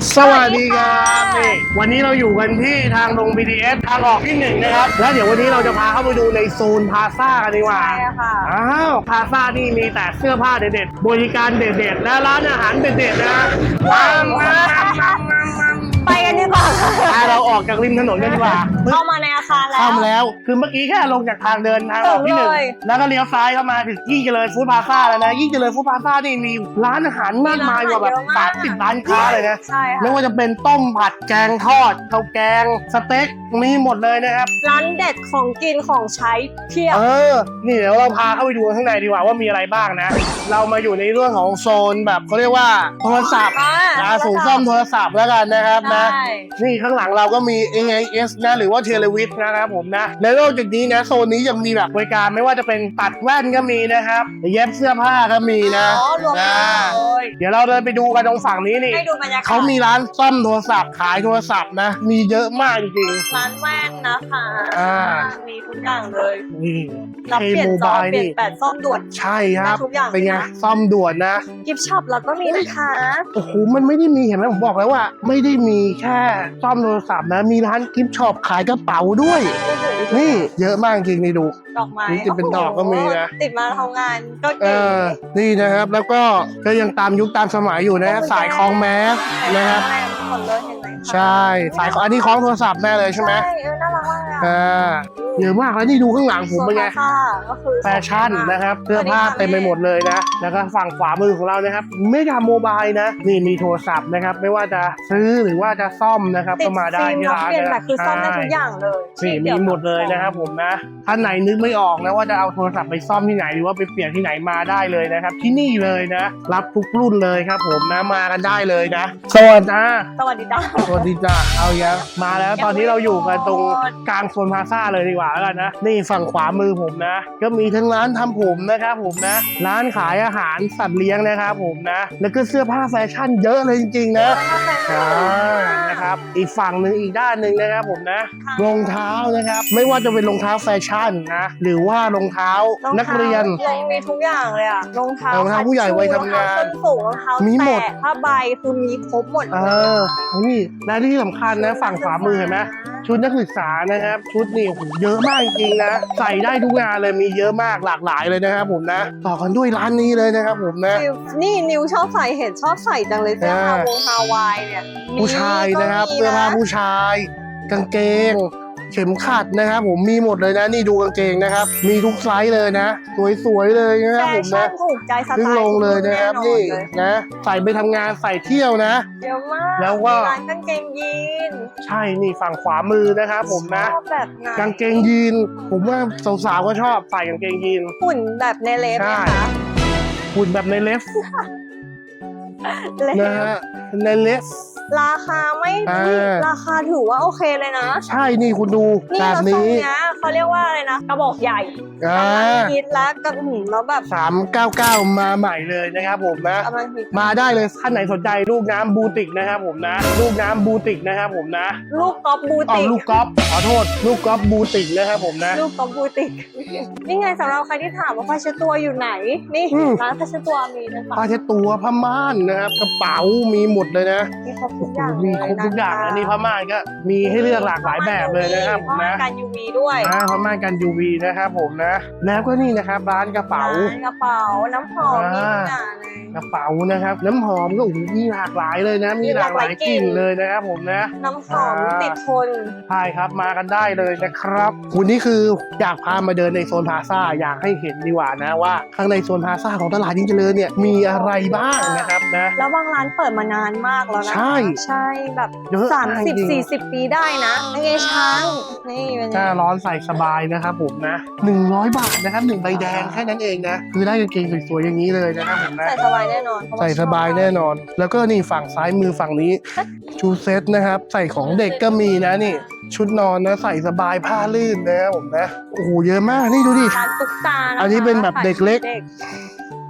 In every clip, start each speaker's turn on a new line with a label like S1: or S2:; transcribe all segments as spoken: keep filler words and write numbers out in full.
S1: สวัสดีครับนี่วันนี้เราอยู่กันที่ทางลง บี ที เอส ทางออกที่หนึ่งนะครับแล้วเดี๋ยววันนี้เราจะพาเข้าไปดูในโซนพาซ่ากันดีกว่า
S2: ใช่ค่ะ
S1: อ้าวพาซ่านี่มีแต่เสื้อผ้าเด็ดๆบริการเด็ดๆและร้านอาหารเด็ดๆนะว้าว
S2: ไปกันดีกว่า
S1: เราออกจากริมถนนกันดีกว่า
S2: เข้ามาในอาคารแล้ว
S1: เข้ามาแล้วคือเมื่อกี้แค่ลงจากทางเดินทางออกที่หนึ่งแล้วก็เลี้ยวซ้ายเข้ามาถึงยิ่งเจริญฟู้ดพาซ่าแล้วนะยิ่งเจริญฟู้ดพาซ่านี่มีร้านอาหารมากมายกว่าแบบสามสิบร้านค้าเลยนะ
S2: ใช่ค่ะ
S1: ไม่ว่าจะเป็นต้มผัดแกงทอดข้าวแกงสเต็กมีหมดเลยนะครับ
S2: ร้านเด็ดของกินของใช้เพียบ
S1: เออนี่เดี๋ยวเราพาเข้าไปดูข้างในดีกว่าว่ามีอะไรบ้างนะเรามาอยู่ในเรื่องของโซนแบบเขาเรียกว่าโทรศัพท์นะสูงซ่อมโทรศัพท์แล้วกันนะครับนะนี่ข้างหลังเราก็มี เอ ไอ เอส นะหรือว่าเทเลวิทนะครับผมนะและนอกจากนี้นะโซนนี้ยังมีแบบบริการไม่ว่าจะเป็นตัดแว่นก็มีนะครับเย็บเสื้อผ้าก็มีนะ
S2: อ๋อรวมกันเลย
S1: เดี๋ยวเราเดินไปดูกันตรงฝั่งนี้นี่
S2: ให้ดูบรรยากาศ
S1: เขามีร้านซ่อมโทรศัพท์ขายโทรศัพท์นะมีเยอะมากจริง
S2: ร้านแว่นนะคะ
S1: อ่า
S2: มีทุกอย่างเลย
S1: ๆนี่
S2: รับเปลี่ยนจอเปลี่ยนแปดซ่อมด่วน
S1: ใช่ครับ
S2: ทุกอย่าง
S1: เป็นไง
S2: นะ
S1: ซ่อมด่วนนะ
S2: กิฟต์ช็อปเราก็มีนะคะ
S1: โอ้โหมันไม่ได้มีเห็นไหมผมบอกแล้วว่า ไม่ได้มีแค่ซ่อมโทรศัพท์นะมีร้านกิฟต์ช็อปขายกระเป๋าด้วย นี่เยอะมากจริงนี่ดู
S2: ดอกไม้
S1: นี่จะเป็นดอกก็มีนะ
S2: ติดมาทำงานก็
S1: เอ
S2: เก๋
S1: อนี่นะครับแล้วก็ก็ยังตามยุคตามสมัยอยู่นะสายคล้องแมสนะครับ
S2: หมดเลยเห็นไหมคะ
S1: ใช่สายของอันนี้คล้องโทรศัพท์แน่เลยใช่ไหม
S2: ใช่เออน่ารักมากเลยอะ
S1: อ่าเยอะมากแล้วนี่ดูข้างหลังผมเป็นไง
S2: โซฟาก็คือ
S1: แฟชั่นนะครับเสื้อผ้าเต็มไปหมดเลยนะแล้วก็ฝั่งขวามือของเรานะครับไม่ทำโมบายนะนี่มีโทรศัพท์นะครับไม่ว่าจะซื้อหรือว่าจะซ่อมนะครับ
S2: ติ
S1: ก็
S2: ด
S1: มาได้
S2: ฟิล์ม
S1: ที่
S2: รับ
S1: ร้าน
S2: เปลี่ยน
S1: นะ
S2: แบบคือซ่อมได้ทุกอย่างเลย
S1: นี่มีหมดเลยนะครับผมนะท่านไหนนึกไม่ออกนะว่าจะเอาโทรศัพท์ไปซ่อมที่ไหนหรือว่าไปเปลี่ยนที่ไหนมาได้เลยนะครับที่นี่เลยนะรับทุกรุ่นเลยครับผมนะมากันได้เลยนะสวัสดีจ้า
S2: สวัสดีจ้า
S1: สวัสดีจ้าเอาเยอะมาแล้วตอนนี้เราอยู่กันตรงกลางโซนพลาซ่าเลยดีกว่าแล้วกันนะนี่ฝั่งขวามือผมนะก็มีทั้งร้านทำผมนะครับผมนะร้านขายอาหารสัตว์เลี้ยงนะครับผมนะแล้วก็เสื้อผ้าแฟชั่นเยอะเลยจริงๆนะอ่านะครับอีกฝั่งหนึ่งอีกด้านหนึ่งนะครับผมนะรองเท้านะครับไม่ว่าจะเป็นรองเท้าแฟชั่นนะหรือว่ารองเท้านักเรียน
S2: ยังมีทุกอย่างเลยอะรองเท้าร
S1: องเท้าผู้ใหญ่วัยทำงาน
S2: รองเท้าส้นสูงรองเท้า
S1: มีหมด
S2: แตะผ้าใบคือมีครบหมด
S1: เออนี่และที่สำคัญนะฝั่งขวามือเห็นไหมชุดนักศึกษานะครับชุดนี่โอ้โหเยอะมากจริงๆนะใส่ได้ทุกงานเลยมีเยอะมากหลากหลายเลยนะครับผมนะต่อกันด้วยร้านนี้เลยนะครับผมนะ
S2: นิวนี่นิวชอบใส่เห็นชอบใส่จังเลยเสื้อฮาวงฮาวายเนี่ยมี
S1: ผู้ชายนะครับ
S2: ก็มี
S1: เสื้อผ้าผู้ชาย กางเกง เข็มขัดนะครับผมมีหมดเลยนะนี่ดูกางเกงนะครับมีทุกไซส์เลยนะสวยๆเลยนะครับ
S2: แฟ
S1: ผม
S2: ชั่
S1: นะ
S2: นถูกใจส
S1: ขึ้น
S2: ไตล์
S1: ลงเลยนะครับ
S2: แอ
S1: นี่
S2: เลย
S1: นะใส่ไปทำงานใส่เที่ยวนะ
S2: เยอะมาก
S1: แล้วก็
S2: มีร้านกางเกงยีน
S1: ใช่นี่ฝั่งขวามือนะครับผมนะ
S2: ชอบแบบไหน
S1: กางเกงยีนผมว่าสาวๆก็ชอบใส่กางเกงยีน
S2: หุ่นแบบในเล็บ
S1: ใช่
S2: นะคะ
S1: หุ่นแบบในเลฟ
S2: เล็
S1: นะ
S2: บ
S1: ฮะในเลฟ
S2: ราคาไม่
S1: อ่า
S2: นี่ราคาถือว่าโอเคเลยนะ
S1: ใช่นี่คุณดู
S2: นี่
S1: แบบ
S2: เราทรง
S1: นี้
S2: เนี้ยเขาเรียกว่าอะไรนะกระบอกใหญ่
S1: อ่าก
S2: ำลังฮิตแล้วกระหืมแล้วแบบ
S1: สามเก้าเก้ามาใหม่เลยนะครับผมนะ
S2: กำลังฮิต
S1: มาได้เลยท่านไหนสนใจลูกน้ำบูติกนะครับผมนะลูกน้ำบูติกนะครับผมนะ
S2: ลูกกอล์ฟบู
S1: เอา
S2: ติก
S1: ลูกกอล์ฟขอโทษลูกกอล์ฟบูติกนะครับผมนะ
S2: ลูกกอล์ฟบูติก นี่ไงสำหรับใครที่ถามว่าผ้าเช็ดตัวอยู่ไหน นี่
S1: อืม
S2: ร้านผ้าเช็ดตัวมีนะคะ
S1: ผ้าเช็ดตัวผ้าม่านนะครับกระเป๋ามีหมดเลยนะ
S2: มีครบทุกอย่าง
S1: มีครบทุกอย่างอันนี้ผ้าม่านก็มีให้เลือกหลากหลายแบบเลยนะครับผมนะ
S2: ผ้ากัน ยู วี ด้วย
S1: อ่าผ้าม่านกัน ยู วี นะครับผมนะแล้วก็นี่นะครับร้านกระเป๋า
S2: ร้นกระเป๋าน้ำหอมมีทุกอย่างเลย
S1: กระเป๋านะครับน้ำหอมก็โอ้โหมีหลากหลายเลยนะ มีหลากหลายกลิ่นเลยนะครับผมนะ
S2: น้ำหอม
S1: อ่า
S2: ติดทน
S1: ใช่ครับมากันได้เลยนะครับวันนี้คืออยากพามาเดินในโซนพลาซ่าอยากให้เห็นดีกว่านะว่าข้างในโซนพลาซ่าของตลาดยิ่งเจริญเนี่ยมีอะไรบ้างนะครับนะ
S2: แล้วบางร้านเปิดมานานมากแล้วนะ
S1: ใช่
S2: ใช่แบบ
S1: เยอะ
S2: สามสิบ
S1: จริง
S2: สี่สิบปีได้นะนี่ไงช้างนี่เป็น
S1: หน้า
S2: ไง
S1: ร้อนใส่สบายนะครับผมนะหนึ่งร้อยบาทนะครับหนึ่งใบแดงแค่นั้นเองนะคือได้กางเกงสวยๆอย่างนี้เลยนะครับผมนะ
S2: ใส่สบายแน่นอนเพระว่
S1: ใส่สบายแน่นอน แล้วก็นี่ฝั่งซ้ายมือฝั่งนี้ชูเซ็ตนะครับ ใส่ของเด็กก็มีนะนี่ ชุดนอนนะใส่สบายผ้าลื่นนะครับผมนะโอ้โหเยอะมากนี่ดูดิ
S2: ร้านตุ๊กตานะคะ
S1: อันนี้เป็นแบบเด็กเล็ก
S2: ข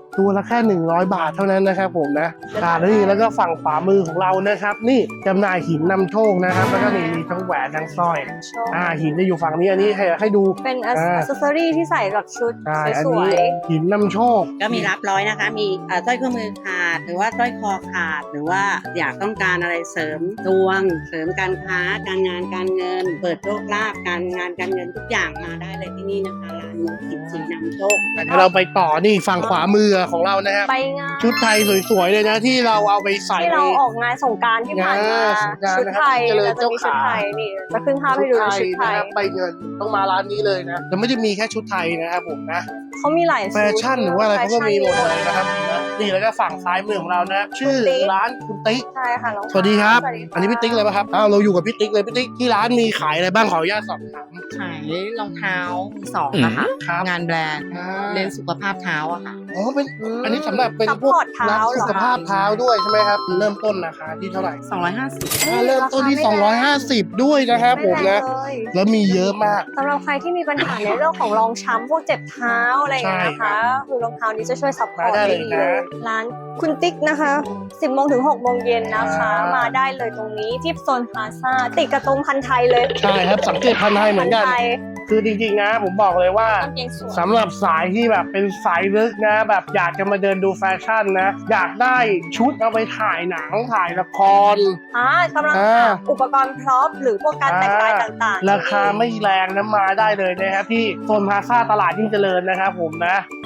S1: ตัวละแค่หนึ่งร้อยบาทเท่านั้นนะครับผมนะอ่าแล้วนี่แล้วก็ฝั่งขวามือของเรานะครับ นี่จำหน่ายหินนำโชคนะครับ แล้วก็นี่มีทั้งแหวนทั้งสร้อยอ่าหินจะอยู่ฝั่งนี้อันนี้ให้ให้ดู
S2: เป็นอัซเซอรี่ที่ใส่กับชุด
S1: ใช่อัน
S2: สว
S1: นี้
S2: ย
S1: หินนำโชค
S3: ก็มีรับร้อยนะคะ มีเอ่อสร้อยข้อมือขาด หรือว่าสร้อยคอขาด หรือว่าอยากต้องการอะไรเสริมดวง เสริมการค้า การงานการเงิน เปิดโชคลาภการงานการเงินทุกอย่างมาได้เลยที่นี่นะคะร้านมุกหินสีนำโชค
S1: เดี๋ยวเราไปต่อนี่ฝั่งขวามือของเรานะครับ
S2: ๆไปงาน
S1: ชุดไทยสวยๆเลยนะที่เราเอาไปใส่
S2: ที่เราออกงานสงกรารที่ผ่านมา
S1: งานสงกรานต์
S2: ชุดไทย
S1: นะครับ
S2: เราจะมีชุดไทยนี่จะขึ้นภาพให้ดูนะชุดไทย
S1: นะครับไปเงินต้องมาร้านนี้เลยนะแต่ไม่ได้มีแค่ชุดไทยนะครับผมนะ
S2: เขามีหลาย
S1: แฟชั่นหรือว่าอะไรเขาก็มีหมดเลยนะครับ
S2: แฟชั่
S1: นี่แล้วก็ฝั่งซ้ายมือของเรานะชื่อ
S2: คุณติ๊ก
S1: ร้านคุณติ๊ก
S2: ใช่ค่ะน้อง
S1: สวัสดีครับ
S2: สวัสดีค่ะ
S1: อันนี้พี่ติ๊กเลยป่ะครับอ้าวเราอยู่กับพี่ติ๊กเลยพี่ติ๊กที่ร้านมีขายอะไรบ้างขออนุญาตสอบถาม
S4: ขายรองเท้ามือสองอะค่ะ
S1: ครับ
S4: งานแบรนด์
S1: อ่า
S4: เรียนสุขภาพเท้าอะค่ะ
S1: อ๋อเป็นอันนี้สำหรับเป็น
S2: ซัพ
S1: พวก
S2: พอร์ตเท้า
S1: ร้าน
S2: เหร
S1: สุ
S2: อ
S1: ข
S2: คะ
S1: ภาพเท้าด้วยใช่ไหมครับเริ่มต้นราคาที่เท่าไหร่
S4: สองร้อยห้าสิบ
S1: อ่าเริ่มต้นที่สองร้อยห้าสิบด้วยนะครับผม
S2: ไม่แร
S1: นะ
S2: งเลย
S1: แล้วมีเยอะมาก
S2: สำหรับใครที่มีปัญหาในเรื่องของรองช้ำพวกเจ็บเท้าอะไรอย่างเงี้ยนะ
S1: ใช่ครั
S2: คะ
S1: บ
S2: คือรองเท้านี้จะช่วยซัพพอร์ต
S1: มาได้
S2: ได้
S1: เลย
S2: ดี
S1: นะ
S2: เลยร้านคุณติ๊กนะคะสิบโมงถึงหกโมงเย็นนะคะ
S1: อ่าม
S2: มาได้เลยตรงนี้ที่โซนพลาซ่าติดกับตรงพันไทยเลย
S1: ใช่ครับสังเกตพันธุ์ไทยเหมือนกัน
S2: พัไทย
S1: คือจริงๆนะผมบอกเลยว่า
S2: กางเกงสวย
S1: สำหรับสายที่แบบเป็นสายลึกนะ แบบอยากจะมาเดินดูแฟชั่นนะ อยากได้ชุดเอาไปถ่ายหนังถ่ายละคร
S2: อ่ากำลัง
S1: อ่า
S2: หาอุปกรณ์พร็อพหรือพวกการแต่งกายต่างๆ
S1: ราคาไม่แรงนะมาได้เลยนะครับที่โซนพลาซ่าตลาดยิ่งเจริญนะครับผมนะ